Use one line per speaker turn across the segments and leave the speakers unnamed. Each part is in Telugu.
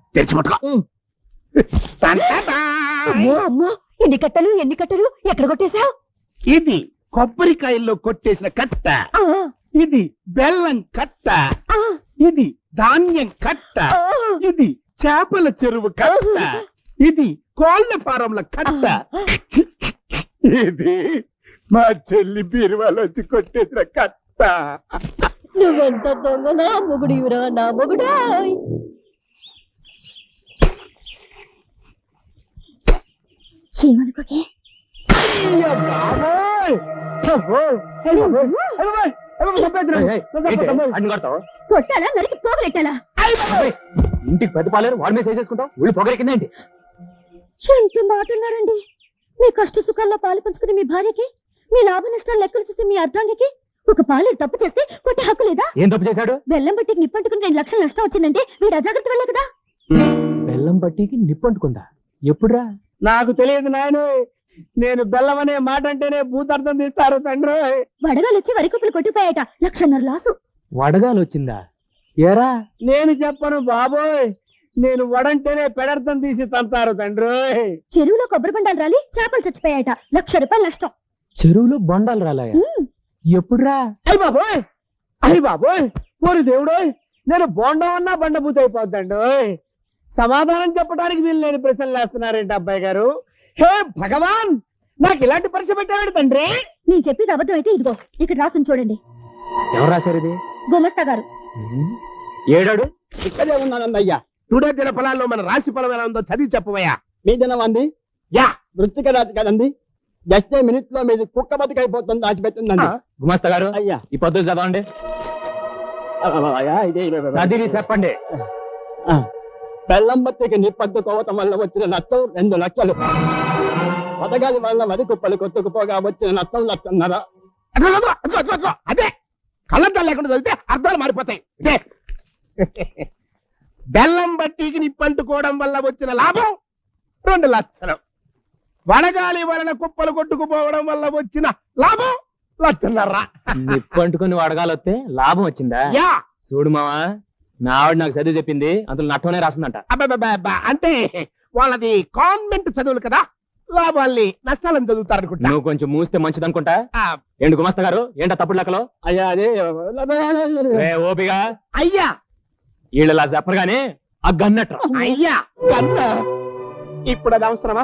తెరిచి పట్టుకో.
అమ్మో ఎన్ని కట్టలు ఎక్కడ కొట్టేశావు?
ఇది కొబ్బరికాయల్లో కొట్టేసిన కట్ట, ఇది బెల్లం కట్ట, ఇది ధాన్యం కట్ట, ఇది చేపల చెరువు కట్ట, ఇది కోళ్ల ఫారంల కట్ట, ఇది మా చెల్లి బీరువాలో వచ్చి కొట్టేసిన కట్ట.
నువ్వెంత దొంగ నా మొగుడివిరా నా మొగుడా. ఏమనుకోకే కొట్టాలా నరికి పోగలెట్టాలా?
ఇంటికి పెద్ద పాలేరు వాడి మీద చేసేసుకుంటావు, ఊళ్ళు పొగరెక్కిందేంటి?
ఎంత మాటన్నారండి. మీ కష్ట సుఖాల్లో పాలు పంచుకుని మీ భార్యకి, మీ లాభ నష్టాలు లెక్కలు చూసి మీ అర్ధాంగికి ఒక పాలేరు తప్పు చేస్తే కొట్టే హక్కు లేదా?
ఏం తప్పు చేశాడు?
బెల్లం బట్టికి నిప్పంటుకుని 2 లక్షలు నష్టం వచ్చిందంటే వీడు అజాగ్రత్త వల్లే కదా.
బెల్లం పట్టికి నిప్పంటుకుందా? ఎప్పుడురా?
నాకు తెలియదు నాయన. నేను బెల్లం అనే మాట అంటేనే భూతార్థం తీస్తారు తండ్రి.
వడగాలు వచ్చి వరి కుప్పలు కొట్టిపోయాట, 1.5 లక్షల లాసు.
వడగాలు వచ్చిందా? ఏరా?
నేను చెప్పను బాబోయ్, నేను వడంటేనే పెడర్థం తీసి తంటారు తండ్రి.
చెరువులో కొబ్బరి బండాలు రాలి చేపలు చచ్చిపోయాట, 1 లక్ష రూపాయలు నష్టం.
చెరువులో బొండాలు రాలాయా? ఎప్పుడురా?
అయ్య బాబోయ్, అయ్య బాబోయ్, ఓరి దేవుడోయ్, నేను బోండం అన్నా బండబూత అయిపోద్దండి. సమాధానం చెప్పడానికి వీళ్ళు లేని ప్రశ్నలు వేస్తున్నారేంటి అబ్బాయి గారు? హే భగవాన్, నాకు ఇలాంటి పరీక్ష పెట్టాడు తండ్రి.
నేను చెప్పేది అబద్ధం అయితే ఇదిగో ఇక్కడ రాసుని చూడండి.
ఎవరు రాశారు ఇది?
గుమస్తా గారు.
ఏడాడు?
ఇక్కడే ఉన్నానన్నయ్యా. టుడే దిన ఫలాల్లో మన రాశి ఫలం ఎలా ఉందో చదివి చెప్పవయ్యా.
మీ దినం అంది
యా,
వృత్తిక రాత్రి కదండి. జస్ట్ మినిట్స్ లో మీది కుక్క బతికైపోతుంది, దాచిపెట్టిందండి.
గుమస్తా గారు
అయ్యా
ఈ పద్ధతి చదవండి. చదివి చెప్పండి.
బెల్లం బత్తికి నిప్పట్టుకోవటం వల్ల వచ్చిన నష్టం 2 లక్షలు. పథకాల వల్ల వరి కుప్పలు కొట్టుకుపోగా వచ్చిన నష్టం 1.5 లక్షలు.
అదే కళ్ళద్దాలు లేకుండా చదివితే అర్థాలు మారిపోతాయి. ఇదే బెల్లం బట్టికి నిప్పంటుకోవడం వల్ల వచ్చిన లాభం 2 లక్షలు. వడగాలి వలన కుప్పలు కొట్టుకుపోవడం వల్ల వచ్చిన లాభం 1.5 లక్షలు.
నిప్పంటుకుని వడగాలు వస్తే లాభం వచ్చిందా?
యా,
చూడు మావా, నా ఆవిడ నాకు చదివి చెప్పింది, అందులో నట్టనే రాసిందంట.
అబ్బా అంటే వాళ్ళది కాన్వెంట్ చదువులు కదా, లాభాల్ని నష్టాలను చదువుతారనుకుంటా.
నువ్వు కొంచెం మూస్తే మంచిది అనుకుంటా. ఏంటి గుమస్తా గారు, ఏంటా తప్పుడు లెక్కలో?
అయ్యా అదే
ఓపిగా
అయ్యా,
వీళ్ళలా చెప్పరు గానీ ఆ గన్నట్ర.
అయ్యా కన్నా ఇప్పుడు అది అవసరమా?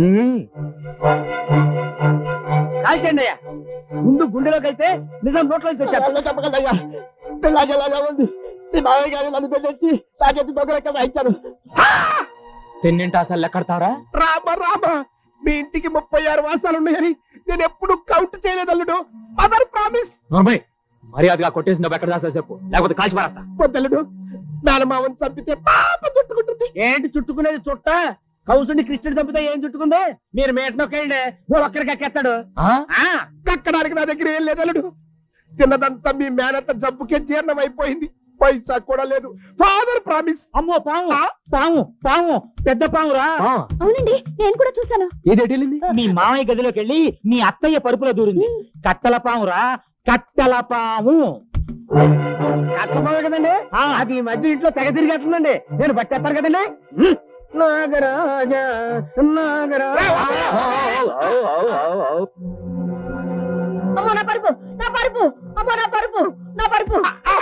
కాల్చండి అయ్యా, ముందు గుండెలోకి అయితే నిజం నోట్లోంచి వచ్చారు.
చెప్పగలయ్యా, పిల్లలాగా ఉంది. మీ మామయ్య గారు నన్ను పెళ్ళొచ్చి నా చేతి దొంగలెక్క ఇచ్చారు.
తిన్నింటి అసలు లెక్కడతావరా?
రామా, మీ ఇంటికి 36 వాసాలు ఉన్నాయని నేను ఎప్పుడు కౌంట్ చేయలేదు అల్లుడు. Mother promise.
మర్యాదగా కొట్టేసి నువ్వు ఎక్కడ దాసా చెప్పు, లేకపోతే కాల్చి పారేస్తా.
వద్దల్లుడు, మేనమావని చంపితే పాప చుట్టుకుంటుంది. ఏంటి చుట్టుకునేది? చుట్ట కౌసుని కృష్ణుడు చంపితే ఏం చుట్టుకుంది? మీరు మేటనొక్కండి, ఒక్కరికి ఎక్కేస్తాడు. కక్కడానికి నా దగ్గర ఏం లేదు అల్లుడు. తిన్నదంతా మీ మేనత్త జబ్బుకే జీర్ణం అయిపోయింది, పైసా కూడా లేదు. Father promise.
అమ్మో పాము పాము పాము, పెద్ద పామురా.
అవునండి, నేను కూడా చూశాను.
ఏదేటి?
మీ మామయ్య గదిలోకి వెళ్ళి మీ అత్తయ్య పరుపులో దూరింది. కట్టల పామురా, కట్టల పాము.
కట్టమావే కదండి, అది ఈ మధ్య ఇంట్లో తెగ తిరిగేస్తుందండి. నేను పట్టేస్తాను కదండి. నాగరాజ నాగరాజ.
అమ్మో నా పరుపు, నా పరుపు, అమ్మో నా పరుపు, నా పరుపు.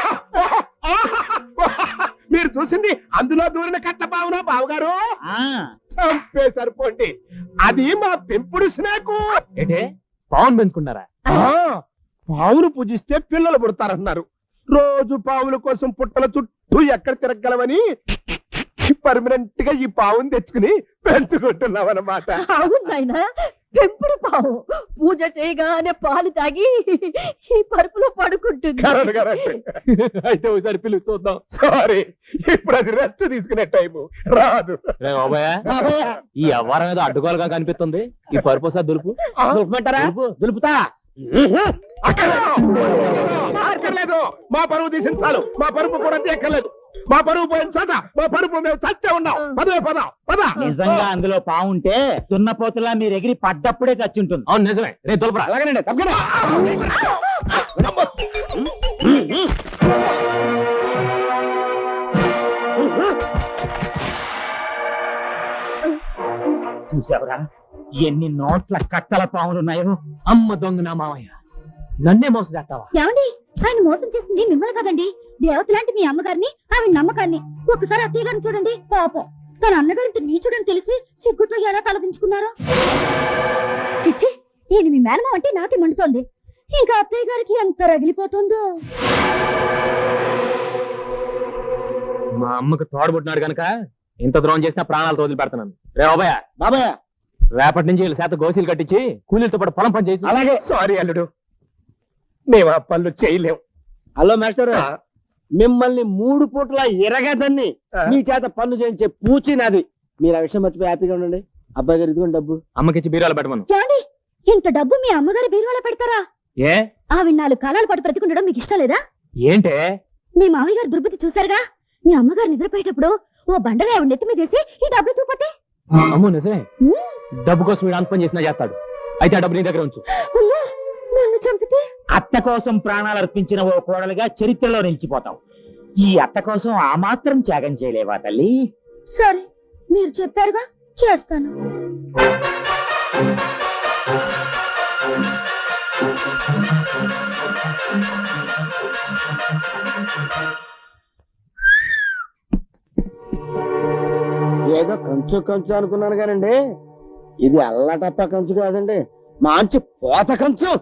మీరు చూసింది అందులో దూరిన కట్ల పావునా బావగారు? చంపే సరిపోండి, అది మా పెంపుడు స్నేకు.
ఏంటే పావును పెంచుకున్నారా?
పావును పూజిస్తే పిల్లలు పుడతారన్నారు. రోజు పావుల కోసం పుట్టల చుట్టూ ఎక్కడ తిరగలవని పర్మనెంట్ గా ఈ పావును తెచ్చుకుని పెంచుకుంటున్నాం అన్నమాట.
అవును నాయనా, పెంపుడు పావు పూజ చేయగానే పాలు తాగి ఈ పరుపులో పడుకుంటుంది.
అయితే ఒకసారి పిలుస్తూ చూద్దాం.
సారీ, ఇప్పుడు అది రెస్ట్ తీసుకునే టైము రాదు.
ఈ వ్యవహారం ఏదో అడ్డుకోలుగా కనిపిస్తుంది. ఈ పరుపు సార్ దులుపు.
దులుపుమంటారా? దులుపుతా. అక్కర్లేదు, మా పరువు తీసిన చాలు. మా పరుపు కూడా తీయక్కర్లేదు. మా పరువు పోయిన చోట మా పరుపు మేము చచ్చే ఉన్నాం. పద.
నిజంగా అందులో పావుంటే దున్నపోతులా మీరు ఎగిరి పడ్డప్పుడే చచ్చి ఉంటుంది.
అవును నిజమే, రేపు దులపరా.
అలాగేనండి, తప్పకుండా. చూసావురా ఎన్ని నోట్ల కట్టల పాములున్నాయో.
అమ్మ దొంగ నా మామయ్య, నన్నే మోసం చేస్తావా?
ఏమండి, ఆయన మోసం చేసింది మిమ్మల్ని కదండి, దేవత లాంటి మీ అమ్మగారిని, ఆమె నమ్మకాన్ని. ఒకసారి అత్తయ్య గారిని చూడండి, పాపం తన అన్నగారింటి నీచుడని తెలిసి సిగ్గుతో ఎలా తలదించుకున్నారో. చిచ్చి, ఈయన మీ మేనమావ అంటే నాకే మండుతోంది. ఇంకా అత్తయ్య గారికి ఎంత రగిలిపోతుందో.
మా అమ్మకు తోడబుట్టినాడు గనక ఇంత ద్రోహం చేసినా ప్రాణాలతో వదిలిపెడతాను. రే బాబాయ్,
బాబాయ్
రేపటి నుంచి వీళ్ళ శాత గోసీలు కట్టించి కూలీలతో పాటు పొలం పని చేసి.
అలాగే. సారీ అల్లుడు, మేము ఆ పనులు చేయలేం. హలో మాస్టర్, మిమ్మల్ని 3 పూట్ల ఎరగదని మీ చేత పనులు చేయించే పూచి నాది. మీరు ఆ విషయం మర్చిపోయి హ్యాపీగా ఉండండి. అబ్బాయి గారు ఇదిగోండి డబ్బు.
అమ్మకిచ్చి బీరాలు పెట్టమను.
ఏమండి, ఇంత డబ్బు మీ అమ్మగారి బీరువాలో పెడతారా?
ఏ
ఆవిడ 4 కాలాల పాటు బ్రతికుండడం మీకు ఇష్టం లేదా?
ఏంటే
మీ మామయ్య గారు దుర్బుద్ధి చూశారుగా. మీ అమ్మగారు నిద్రపోయేటప్పుడు ఓ బండగా ఆవిడ నెత్తి మీదేసి ఈ డబ్బులు చూపతే.
అమ్మో నిజమే, డబ్బు కోసం వీడు అంత పని చేసినా చేస్తాడు. అయితే ఆ డబ్బు నీ దగ్గర ఉంచు.
నన్ను చంపితే
అత్త కోసం ప్రాణాలు అర్పించిన ఓ కోడలుగా చరిత్రలో నిలిచిపోతావు. ఈ అత్త కోసం ఆ మాత్రం త్యాగం చేయలేవా తల్లి?
సరే, మీరు చెప్పారుగా, చేస్తాను.
ఏదో కంచు కంచు అనుకున్నాను కానండి, ఇది అల్లటప్ప కంచు కాదండి, మంచి పోత కంచు.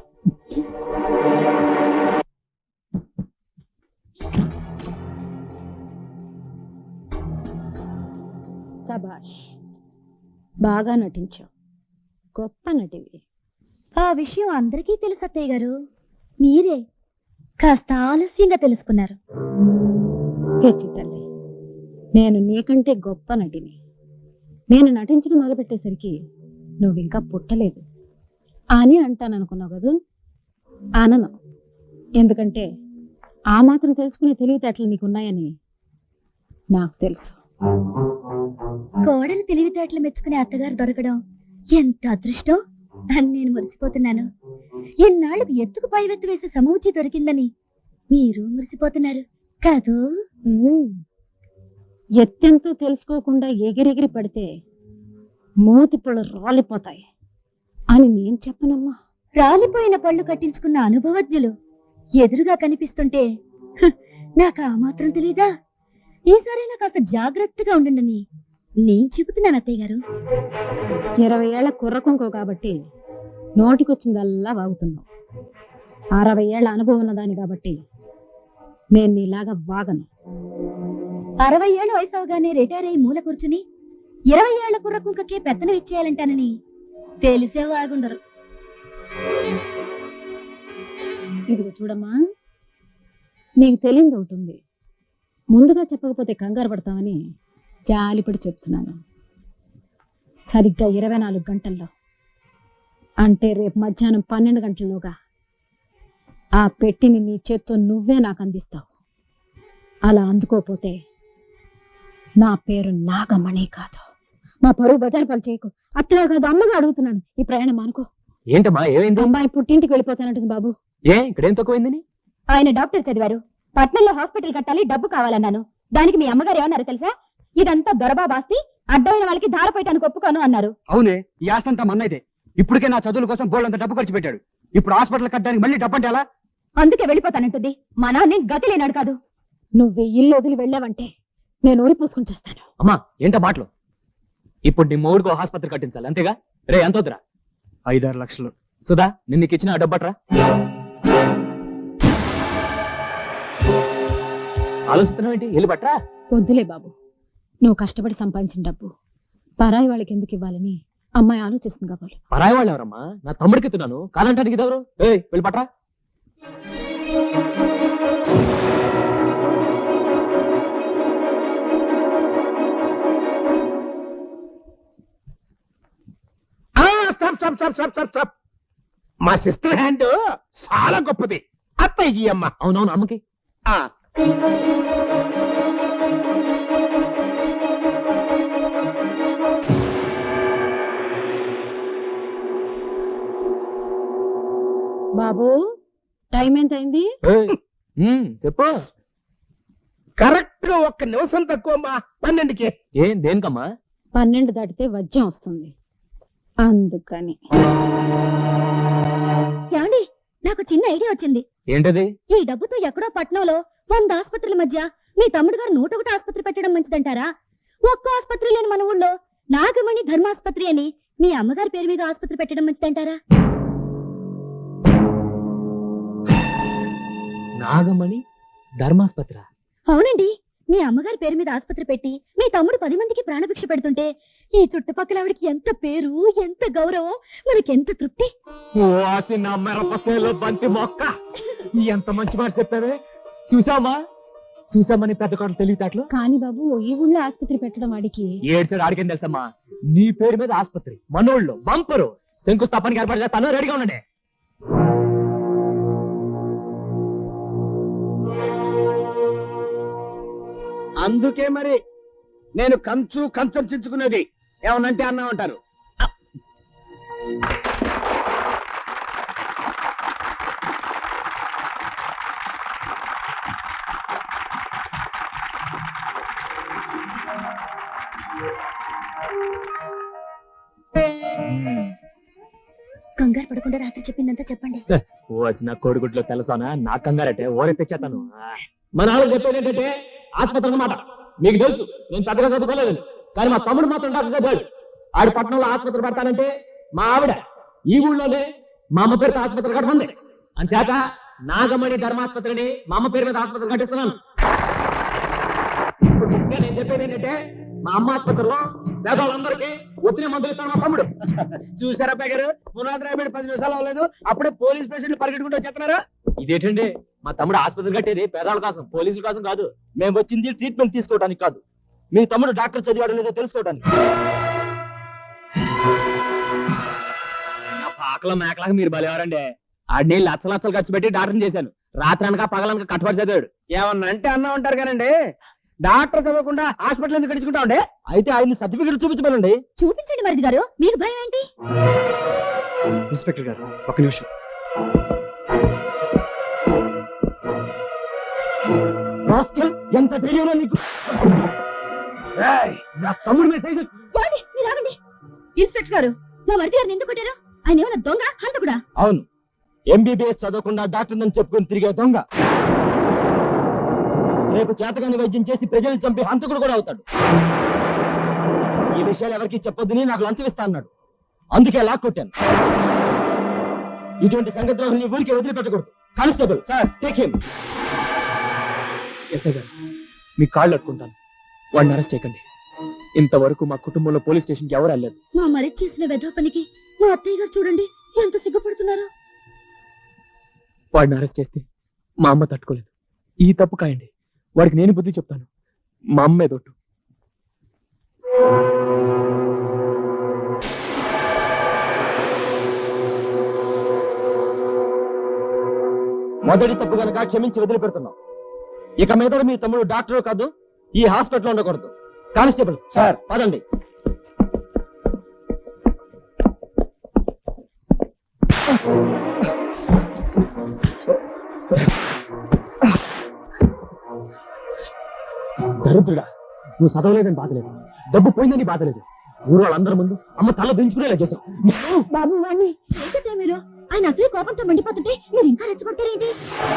సబాష్, బాగా నటించావు, గొప్ప నటివి. ఆ విషయం అందరికీ తెలుసు అత్తయ్య గారు, మీరే కాస్త ఆలస్యంగా తెలుసుకున్నారు.
హెచ్చి తల్లి, నేను నీకంటే గొప్ప నటిని. నేను నటించడం మొదలుపెట్టేసరికి నువ్వింకా పుట్టలేదు అని అంటాననుకున్నావు కదూ? అనను. ఎందుకంటే ఆ మాత్రం తెలుసుకునే తెలివితేటలు నీకున్నాయని నాకు తెలుసు.
కోడలు తెలివితేటలు మెచ్చుకునే అత్తగారు దొరకడం ఎంత అదృష్టం అని నేను మురిసిపోతున్నాను. ఎన్నాళ్ళకు ఎత్తుకు పైవెత్తు వేసే సమూచి దొరికిందని మీరు మురిసిపోతున్నారు కాదు?
ఎత్తెంతో తెలుసుకోకుండా ఎగిరెగిరి పడితే మూతి పళ్ళు రాలిపోతాయి అని నేను చెప్పనమ్మా.
రాలిపోయిన పళ్ళు కట్టించుకున్న అనుభవజ్ఞులు ఎదురుగా కనిపిస్తుంటే నాకు ఆ మాత్రం తెలీదా? ఈసారైనా కాస్త జాగ్రత్తగా ఉండండి నేను చెబుతున్నాను అత్తయ్య గారు.
20 ఏళ్ల కుర్రకుంకో కాబట్టి నోటికొచ్చిందల్లా వాగుతున్నావు. 60 ఏళ్ల అనుభవం ఉన్నదాన్ని కాబట్టి నేను నీలాగా వాగను.
60 ఏళ్ల వయసు అవగానే రిటైర్ అయ్యి మూల కూర్చుని 20 ఏళ్ల కుర్రకుంకకే పెత్తనం ఇచ్చేయాలంటానని తెలిసే వాగుండరు.
ఇదిగో చూడమ్మా, నీకు తెలియదు ఒకటి ఉంది. ముందుగా చెప్పకపోతే కంగారు పడతామని జాలిపడి చెప్తున్నాను. సరిగ్గా 24 గంటల్లో, అంటే రేపు మధ్యాహ్నం 12 గంటల్లోగా ఆ పెట్టిని నీ చేత్తో నువ్వే నాకు అందిస్తావు. అలా అందుకోపోతే నా పేరు నాగమణి కాదు. మా పరువు బజారు పాలు చేయకు. అత్తగా కాదు, అమ్మగా అడుగుతున్నాను. ఈ ప్రయాణం అనుకో.
ఏంటమ్మా ఏమైంది?
అమ్మాయి పుట్టింటికి వెళ్ళిపోతానంటుంది బాబు.
ఏ ఇక్కడేం తక్కువైందని?
ఆయన డాక్టర్ చదివారు, పట్నంలో హాస్పిటల్ కట్టాలి, డబ్బు కావాలన్నాను. దానికి మీ అమ్మగారు ఏమన్నారు తెలుసా? ఇదంతా దొరబాబాస్తి, అడ్డమైన వాళ్ళకి ధారపోయటానికి ఒప్పుకోను అన్నారు.
అవునే, ఈ ఆస్తంతా మన్నైతే. ఇప్పటికే నా చదువుల కోసం బోళ్ళంత డబ్బు ఖర్చు పెట్టాడు. ఇప్పుడు హాస్పిటల్ కట్టడానికి మళ్ళీ డబ్బు అంటే ఎలా?
అందుకే వెళ్ళిపోతానంటుంది. మా నాన్నే గతి లేనాడు కాదు.
నువ్వు ఇల్లు వదిలి వెళ్ళావంటే నేను ఊరి పూసుకుని చేస్తాను.
అమ్మా ఏంటో మాటలు? ఇప్పుడు నీ మొగుడికి ఆసుపత్రి కట్టించాలి అంతేగా? రే ఎంత వద్దురా?
5-6 లక్షలు.
సుధా, నిన్న నీకు ఇచ్చిన డబ్బట్రా. ఆలోచిస్తున్నావు ఏంటి? వెళ్ళి పట్రా.
వద్దులే బాబు, నువ్వు కష్టపడి సంపాదించిన డబ్బు పరాయి వాళ్ళకి ఎందుకు ఇవ్వాలని అమ్మాయి ఆలోచిస్తుంది కాబోలు.
పరాయి వాళ్ళు ఎవరమ్మా? నా తమ్ముడికి ఎత్తున్నాను, కాదంటానికి ఇదెవరు? ఏయ్ వెళ్ళి పట్రా.
మా సిస్టర్ హ్యాండ్ చాలా గొప్పది. అత్తయ్య ఈ అమ్మ.
అవునవును, అమ్మకి.
బాబు, టైం ఎంత అయింది?
చెప్పు.
కరెక్ట్ గా 1 నిమిషం తక్కువ అమ్మా. 12కి.
ఏం దేనికమ్మా?
12 దాటితే వజ్యం వస్తుంది అందుకని.
ఏమండి, నాకు చిన్న ఐడియా వచ్చింది.
ఏంటది?
ఈ డబ్బుతో ఎక్కడో పట్నంలో 100 ఆసుపత్రుల మధ్య మీ తమ్ముడు గారు 101 ఆసుపత్రి పెట్టడం మంచిదంటారా? ఒక్క ఆసుపత్రి లేని మన ఊళ్ళో నాగమణి ధర్మాసుపత్రి అని మీ అమ్మగారి పేరు మీద ఆసుపత్రి పెట్టడం మంచిదంటారా?
నాగమణి ధర్మాస్పత్ర?
అవునండి, మీ అమ్మగారి పేరు మీద ఆసుపత్రి పెట్టి మీ తమ్ముడు 10 మందికి ప్రాణభిక్ష పెడుతుంటే ఈ చుట్టుపక్కల ఆవిడకి ఎంత పేరు, ఎంత గౌరవం, మనకెంత తృప్తి.
ఓసి నా మిరపసేలో బంతి మొక్క, ఎంత మంచి మాట చెప్పావే. చూసామని పెద్ద కోటలు తెలియతాట్లు.
కానీ బాబు, ఈ ఊళ్ళో ఆసుపత్రి పెట్టడం వాడికి
ఏడ్చాడు ఆడికేం తెలుసమ్మా. నీ పేరు మీద ఆసుపత్రి మనోళ్ళు బంపరు శంకుస్థాపనకి ఏర్పాటు చేస్తాను, రెడీగా ఉండండి.
అందుకే మరి నేను కంచం చించుకునేది. ఏమనంటే అన్నా ఉంటారు.
కంగారు పడకుండా రాత్రి చెప్పిందంతా చెప్పండి.
ఓసి నా కోడిగుడ్లో తెలుసానా, నా కంగారటే ఓరెత్తిచ్చేస్తాను. మన వాళ్ళు చెప్పేది ఏంటంటే ఆసుపత్రి అన్నమాట. మీకు తెలుసు నేను పెద్దగా చదువుకోలేదని, కానీ మా తమ్ముడు మాత్రం డాక్టర్ చదివాడు. ఆడు పట్టణంలో ఆసుపత్రి పెడతానంటే మా ఆవిడ ఈ ఊళ్ళోనే మా అమ్మ పేరుతో ఆసుపత్రి కట్టమంది. అంచేత నాగమణి ధర్మాసుపత్రిని మా అమ్మ పేరు మీద ఆసుపత్రి కట్టిస్తున్నాను. నేను చెప్పేది ఏంటంటే మా అమ్మ ఆసుపత్రిలో పేదవాళ్ళందరికీ ఒత్తిడి మందులు ఇస్తాను మా తమ్ముడు.
చూసారా గారు, పునాది రాబడి 10 నిమిషాలు అవ్వలేదు, అప్పుడే పోలీస్ పేషెంట్లు పరిగెట్టుకుంటూ వచ్చేస్తున్నారా?
ఇదేంటండి, మా తమ్ముడు ఆసుపత్రి కట్టేది పేదవాళ్ళ కోసం, పోలీసుల కోసం కాదు.
మేము వచ్చింది ట్రీట్మెంట్ తీసుకోవడానికి కాదు, మీ తమ్ముడు డాక్టర్ చదివాడో లేదో తెలుసుకోవడానికి.
నా పాకలో మేకలాగా మీరు బలేవారండి. ఆడిని లచ్చలు ఖర్చు పెట్టి డాక్టర్ చేశాను. రాత్రి అనక పగలనక కట్టుబడి చదివాడు.
ఏమన్నా అంటే అన్నా ఉంటారు కానండి, డాక్టర్ చదవకుండా హాస్పిటల్ ఎందుకు గడుచుకుంటా ఉండే? అయితే ఆయన సర్టిఫికెట్ చూపించమనండి.
చూపించండి మరిది గారు, మీకు భయం ఏంటి?
ఇన్స్పెక్టర్ గారు ఒక్క నిమిషం.
ఎంత ధైర్యం నీకు?
నా తమ్ముడు మెసేజ్.
ఏమండి, మీరు ఆగండి. ఇన్స్పెక్టర్ గారు, మా మరిది గారిని ఎందుకు కొట్టారు? ఆయన ఏమైనా దొంగ, హంతకుడా?
అవును, ఎంబీబీఎస్ చదవకుండా డాక్టర్ అని చెప్పుకుని తిరిగే దొంగ. రేపు చేతగాని వైద్యం చేసి ప్రజల్ని చంపి హంతకుడు కూడా అవుతాడు. ఈ విషయాలు ఎవరికి చెప్పొద్దని నాకు లంచం ఇస్తా అన్నాడు, అందుకే లాక్కొట్టాను. ఇటువంటి సంగతులను ఊరికి వదిలిపెట్టకూడదు. Constable sir, take him.
SI గారు, మీ కాళ్ళు అట్టుకుంటాను, వాడిని అరెస్ట్ చేయకండి. ఇంతవరకు మా కుటుంబంలో పోలీస్ స్టేషన్కి ఎవరు వెళ్ళలేదు.
మా మరిది చేసిన వెధవ పనికి మా అత్తయ్య గారు చూడండి ఎంత సిగ్గుపడుతున్నారు.
వాడిని అరెస్ట్ చేస్తే మా అమ్మ తట్టుకోలేదు. ఈ తప్పు కాయండి, వాడికి నేను బుద్ధి చెప్తాను. మా అమ్మే దొట్టు.
మొదటి తప్పు గనక క్షమించి వదిలిపెడుతున్నాం. ఇక మీద మీ తమ్ముడు డాక్టర్ కాదు, ఈ హాస్పిటల్ ఉండకూడదు. కానిస్టేబుల్ సార్, పదండి.
దరిద్రుడా, నువ్వు చదవలేదని బాధలేదు, డబ్బు పోయిందని బాధలేదు. ఊరు వాళ్ళందరి ముందు అమ్మ తల దించుకునేలా చేశావు.
బాబు వాణ్ణి ఏంటంటే మీరు? ఆయన అసలు కోపంతో మండిపోతుంటే మీరు ఇంకా రెచ్చగొడతారేంటి?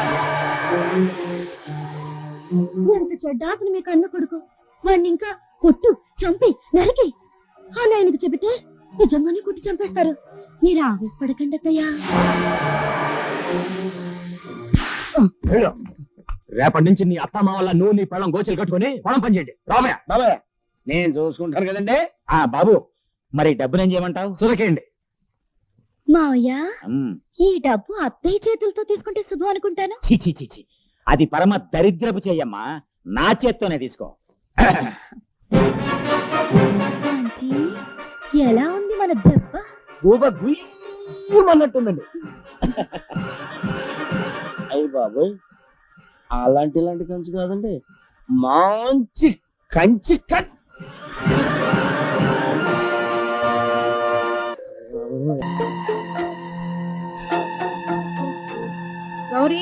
ఎంత చెడ్డ అతను మీకు అన్న కొడుకు. వాణ్ణి ఇంకా కొట్టు, చంపి, నరికి అని ఆయనకు చెబితే నిజంగానే కొట్టి చంపేస్తారు. మీరు ఆవేశపడకండి అత్తయ్యా.
రేపటి నుంచి నీ అత్తమ్మ వల్ల నువ్వు నీ పొలం గోచలు కట్టుకుని పొలం పని చేయండి. రామయ్య,
బాబాయ్ నేను చూసుకుంటాను కదండి. బాబు, మరి డబ్బులు ఏం చేయమంటావు?
సురకేయండి.
మావయ్య, ఈ డబ్బు అత్తయ్య చేతులతో తీసుకుంటే శుభం అనుకుంటాను.
చీ, అది పరమ దరిద్రపు చెయ్యమ్మా, నా చేత్తోనే తీసుకో.
ఆంటీ, ఎలా ఉంది మన దెబ్బ?
గూబ గుయ్యమన్నట్టుందండి. అయ్యి బాబోయ్, ఇలాంటి కంచి కాదండి, మంచి కంచి కట్.
గౌరీ,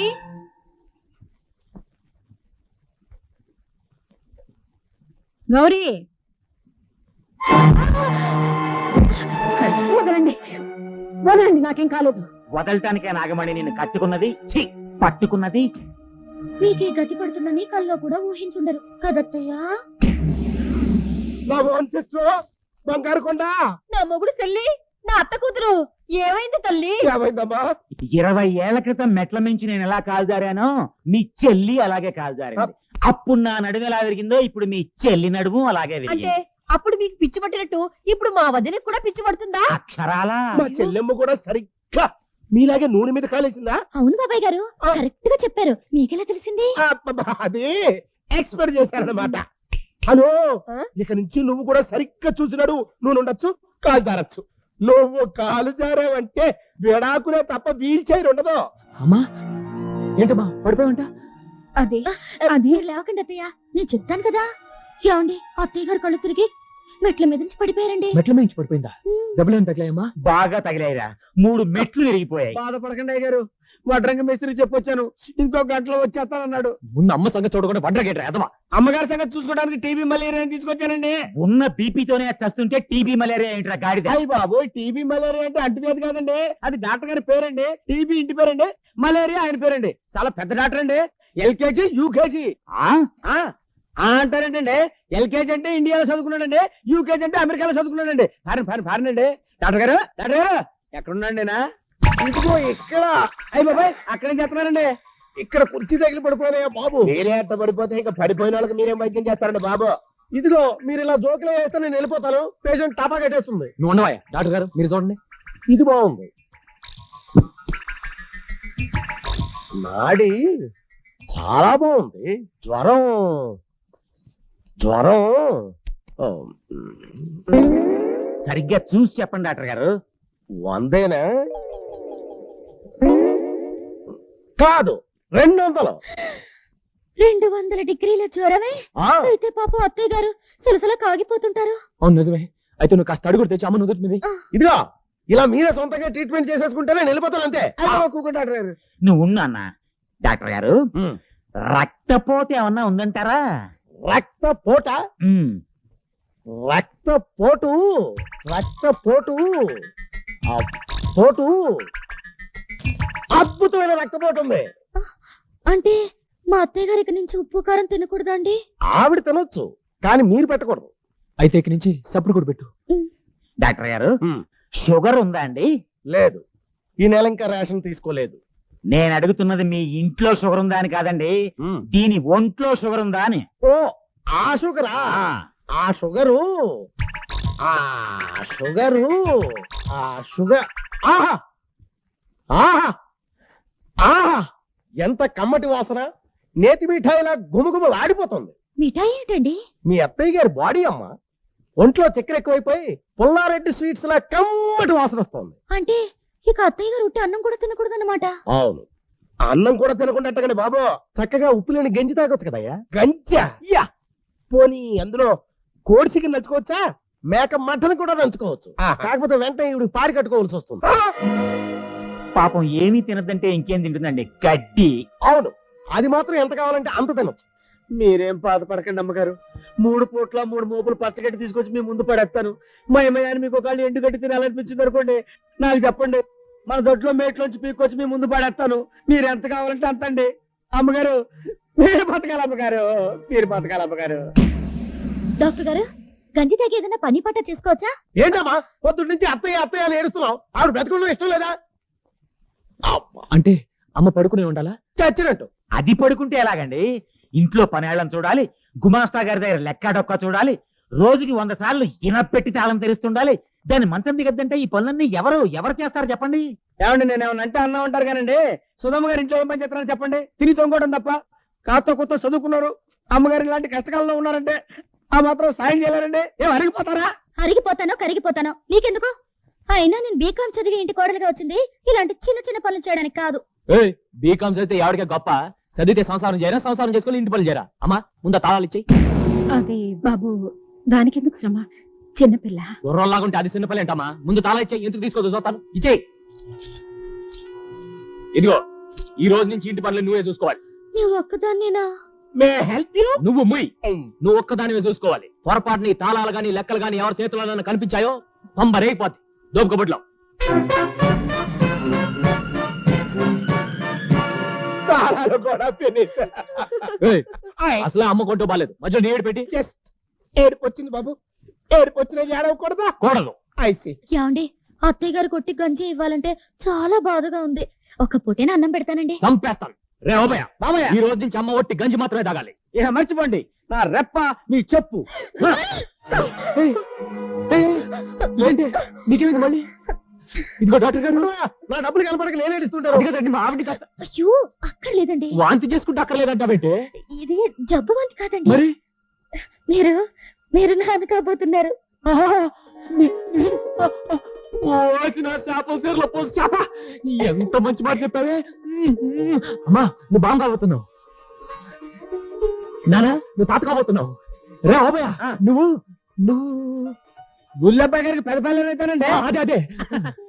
గౌరీ, వదలండి వదలండి, నాకేం కాలేదు.
వదలటానికే నాగమణి నిన్ను కట్టుకున్నది, ఛీ, పట్టుకున్నది.
మీకే గతి పడుతుందని కల్లో కూడా ఊహించుండరు కదత్తయ్యా.
నా ఓన్ సిస్టర్ బంగారు కొండ.
నా మొగుడు చెల్లి, నా అత్త కూతురు ఏమైంది తల్లి?
ఏమైందమ్మా? 20 ఏళ్ల క్రితం మెట్ల మించి నేను ఎలా కాల్జారానో మీ చెల్లి అలాగే కాల్జారింది. అప్పుడు నా నడుము ఎలా విరిగిందో ఇప్పుడు మీ చెల్లి నడుము అలాగే
అంటే
విరిగింది.
అప్పుడు మీకు పిచ్చి పట్టినట్టు ఇప్పుడు మా వదినకి కూడా పిచ్చి పడుతుందా?
అక్షరాలా మా చెల్లెమ్మ కూడా సరిగ్గా మీలాగే నూనె మీద కాలేసిందా?
అవును బాబాయ్ గారు, కరెక్ట్ గా చెప్పారు. మీకెలా తెలిసింది?
అది ఎక్స్పెక్ట్ చేశారన్నమాట. హలో, ఇక నుంచి నువ్వు కూడా సరిగ్గా చూసినాడు. నువ్వు ఉండొచ్చు, కాలు జారచ్చు. నువ్వు కాలు జారావంటే విడాకులే తప్ప వీల్ చైర్ ఉండదు.
అమ్మా ఏంటమ్మా పడిపోయావంట?
అదే
మీరు లేవకండి అత్తయ్య, నేను చెప్తాను కదా. ఏమండి, అత్తయ్య గారు కళ్ళు తిరిగి మెట్ల మీద నుంచి పడిపోయారండి.
మెట్ల మించి పడిపోయిందా? దెబ్బలేం తగిలాయమ్మా?
బాగా తగిలాయిరా, 3 మెట్లు విరిగిపోయాయి. బాధపడకండి అయ్య గారు, వడ్రంగ మేస్త్రి చెప్పొచ్చాను, ఇంకో గంటలో వచ్చేస్తానన్నాడు.
ముందు అమ్మ సంగతి చూడకుండా వంటగేట్రా ఎదవా.
అమ్మగారి సంగతి చూసుకోవడానికి టీబీ మలేరియా తీసుకొచ్చానండి. ఉన్న బీపీతోనే చస్తుంటే టీబీ మలేరియా ఏంట్రా గాడిద? అయ్యి బాబు, టీబీ మలేరియా అంటే అంటువ్యాధి కాదండి, అది డాక్టర్ గారి పేరండి. టీబీ ఇంటి పేరండి, మలేరియా ఆయన పేరండి. చాలా పెద్ద డాక్టర్ అండి. LKG UKG అంటారేంటండి. ఎల్కేజీ అంటే ఇండియాలో చదువుకున్నాడండి, యూకేజీ అంటే అమెరికాలో చదువుకున్నాడండి. ఫారెన్ అండి. డాక్టర్ గారు ఎక్కడున్నాండి? ఇంకో ఇక్కడ. అయ్యి బాబాయ్, అక్కడేం చేస్తున్నారండి? ఇక్కడ కుర్చీ తగిలి పడిపోయినాయా బాబు? మీరే అట్ట పడిపోతే ఇంకా పడిపోయిన వాళ్ళకి మీరేం వైద్యం చేస్తారండి బాబు? ఇదిగో మీరు ఇలా జోకులు వేస్తే నేను వెళ్ళిపోతాను. పేషెంట్ టాపా కట్టేస్తుంది.
నువ్వు ఉండవా డాక్టర్ గారు, మీరు చూడండి.
ఇది బాగుంది. నాడి చాలా బాగుంది. జ్వరం సరిగ్గా చూసి చెప్పండి డాక్టర్ గారు. 100 కాదు, 200.
200 డిగ్రీల జ్వరమే? అయితే పాపం అత్తయ్య గారు సలసల కాగిపోతుంటారు.
అవును నిజమే. అయితే నువ్వు కాస్త అడుగుడు తెచ్చి అమ్మ నుదుటి మీద.
ఇదిగో ఇలా మీరే సొంతంగా ట్రీట్మెంట్ చేసేసుకుంటేనే వెళ్ళిపోతాను అంతే. డాక్టర్ గారు నువ్వు ఉన్నా డాక్టర్ గారు, రక్తపోటు ఏమన్నా ఉందంటారా? రక్తపోట? రక్తపోటు పోటు అద్భుతమైన రక్తపోటు ఉంది.
అంటే మా అత్తయ్య గారి నుంచి ఉప్పు కారం తినకూడదా అండి?
ఆవిడ తినొచ్చు, కానీ మీరు పెట్టకూడదు.
అయితే ఇక్కడి నుంచి సప్పుడు కూడా పెట్టు.
డాక్టర్ గారు, షుగర్ ఉందా అండి? లేదు, ఈ నెల ఇంకా రేషన్ తీసుకోలేదు. నేను అడుగుతున్నది మీ ఇంట్లో షుగర్ ఉందా అని కాదండి, దీని ఒంట్లో షుగర్ ఉందా అని. ఓ, ఆ షుగరా? ఆ షుగరు ఆహా ఆహా ఆహా, ఎంత కమ్మటి వాసన! నేతి మిఠాయిలా గుమగుమ ఆడిపోతుంది.
మిఠాయి ఏంటండి?
మీ అత్తయ్య గారి బాడీ అమ్మ. ఒంట్లో చక్కెర ఎక్కువైపోయి పుల్లారెడ్డి స్వీట్స్ లా కమ్మటి వాసన వస్తుంది.
అంటే ఇక అత్తయ్య గారు ఉట్టి అన్నం కూడా తినకూడదు అన్నమాట?
అవును, అన్నం కూడా తినకుండా బాబు చక్కగా ఉప్పు లేని గంజి తాగొచ్చు కదయ్యా. గంజా? యా, పోనీ అందులో కోడి చికెన్ నంచుకోవచ్చా? మేక మటన్ కూడా నంచుకోవచ్చు. కాకపోతే వెంటనే ఇవి పారి కట్టుకోవాల్సి వస్తుంది. పాపం ఏమీ తినదంటే ఇంకేం తింటుందండి? గడ్డి. అవును, అది మాత్రం ఎంత కావాలంటే అంత తినొచ్చు. మీరేం బాధపడకండి అమ్మగారు, 3 పూట్ల 3 మోపులు పచ్చగడ్డి తీసుకొచ్చి మీ ముందు పడేస్తాను. మా అమ్మగారిని మీకు ఒకళ్ళు ఎండుగడ్డి తినాలనిపించింది అనుకోండి, నాకు చెప్పండి, మన దొడ్లో మేట్లోంచి పీక్కొచ్చి మీ ముందు పడేస్తాను. మీరు ఎంత కావాలంటే అంత అండి. అమ్మగారు, మీరు బతకాలి అమ్మగారు, మీరు బతకాలి అమ్మగారు.
డాక్టర్ గారు, గంజి తాగి ఏదైనా పని పట్ట చేసుకోవచ్చా?
ఏంటమ్మా పొద్దున్న నుంచి అత్తయ్య అని ఏడుస్తున్నావు? ఆవిడ బతకడం ఇష్టం లేదా?
అంటే అమ్మ పడుకునే ఉండాలా?
చచ్చినట్టు. అది పడుకుంటే ఎలాగండి? ఇంట్లో పనేళ్ళని చూడాలి, గుమాస్తా గారి దగ్గర లెక్క డొక్క చూడాలి, రోజుకి 100 సార్లు ఇనపెట్టి తాళం తెరుస్తుండాలి. దాన్ని మంచం దిగద్దంటే ఈ పనులన్నీ ఎవరు చేస్తారు చెప్పండి? ఏమండి, నేను ఏమన్నా అంటే అన్నా ఉంటారు కానండి. సుధమ్మ గారి ఇంట్లో ఏం పని చేస్తారని చెప్పండి? తిని తొంగడం తప్ప. కాస్త కొత్త చదువుకున్నారు, అమ్మగారు ఇలాంటి కష్టకాలంలో ఉన్నారంటే ఆ మాత్రం సాయం చేయలేరండి. ఏం అరిగిపోతారా?
అరిగిపోతానో కరిగిపోతానో నీకెందుకు? అయినా నేను బీకాం చదివి ఇంటి కోడలుగా వచ్చింది ఇలాంటి చిన్న చిన్న పనులు చేయడానికి కాదు.
బీకామ్స్ అయితే ఎవరికే గొప్ప, చదివితే సంసారం చేయరా, సంసారం చేసుకుని ఇంటి పనులు చేయరా? అమ్మా ముందు తాళాలు ఇచ్చేయి.
అదే బాబు, దానికెందుకు శ్రమ, చిన్నపిల్ల.
గుర్రంలాగుంటే అది చిన్న పని ఏంటమ్మా? ముందు తాళా ఇచ్చేయి, ఎందుకు తీసుకోదు చూస్తాను. ఇచ్చేయి. ఇదిగో, ఈ రోజు నుంచి ఇంటి పనులు నువ్వే చూసుకోవాలి.
నువ్వు ఒక్కదాన్నేనా?
మే హెల్ప్ యూ
నువ్వు ముయ్ నువ్వు ఒక్కదానివే చూసుకోవాలి పొరపాటుని తాళాలు గాని లెక్కలు గాని ఎవరి చేతిలో కనిపించాయో పంబరైపోద్ది దోపకబుట్లో
తాళాలు కూడా ఫినిష్.
అసలే అమ్మ కొంటూ బాలేదు మధ్య నీడు పెట్టి
జస్ట్ ఏడుపు వచ్చింది బాబు, ఏడుపు వచ్చిన ఏడవకూడదా?
కూడదు.
ఐసి
ఏమండి అత్తయ్య గారు కొట్టి గంజి ఇవ్వాలంటే చాలా బాధగా ఉంది. ఒక పూటేనా అన్నం పెడతానండి.
చంపేస్తాను రే ఓబయ్య
బాబయ్య
ఈ రోజు నుంచి అమ్మ ఒట్టి గంజి మాత్రమే తాగాలి.
ఇక మర్చిపోండి, నా రెప్ప మీ చెప్పు.
ఏంటి నీకేమింది మళ్ళీ? ఇదిగో డాక్టర్ గారు
నా డబ్బులు కనపడక నేనే ఇస్తుంటారు.
అడిగదండి మా ఆవిడ కష్టం
అయ్యో అక్కర్లేదండి,
వాంతి చేసుకుంటే అక్కర్లేదంటావేంటి?
ఇది జబ్బు వంటి కాదండి.
మరి
మీరు మీరు నాన్న కాబోతున్నారు.
పోసిన చేపల చీరలో పోసి చేప ఎంత మంచి మాట చెప్పావే. అమ్మా నువ్వు బాగా కాబోతున్నావు, నానా నువ్వు తాత కాబోతున్నావు. రే ఓబయ్య నువ్వు నువ్వు
గుల్లబ్బాయి గారికి పెద్ద పిల్లలు అవుతానండి.
అదే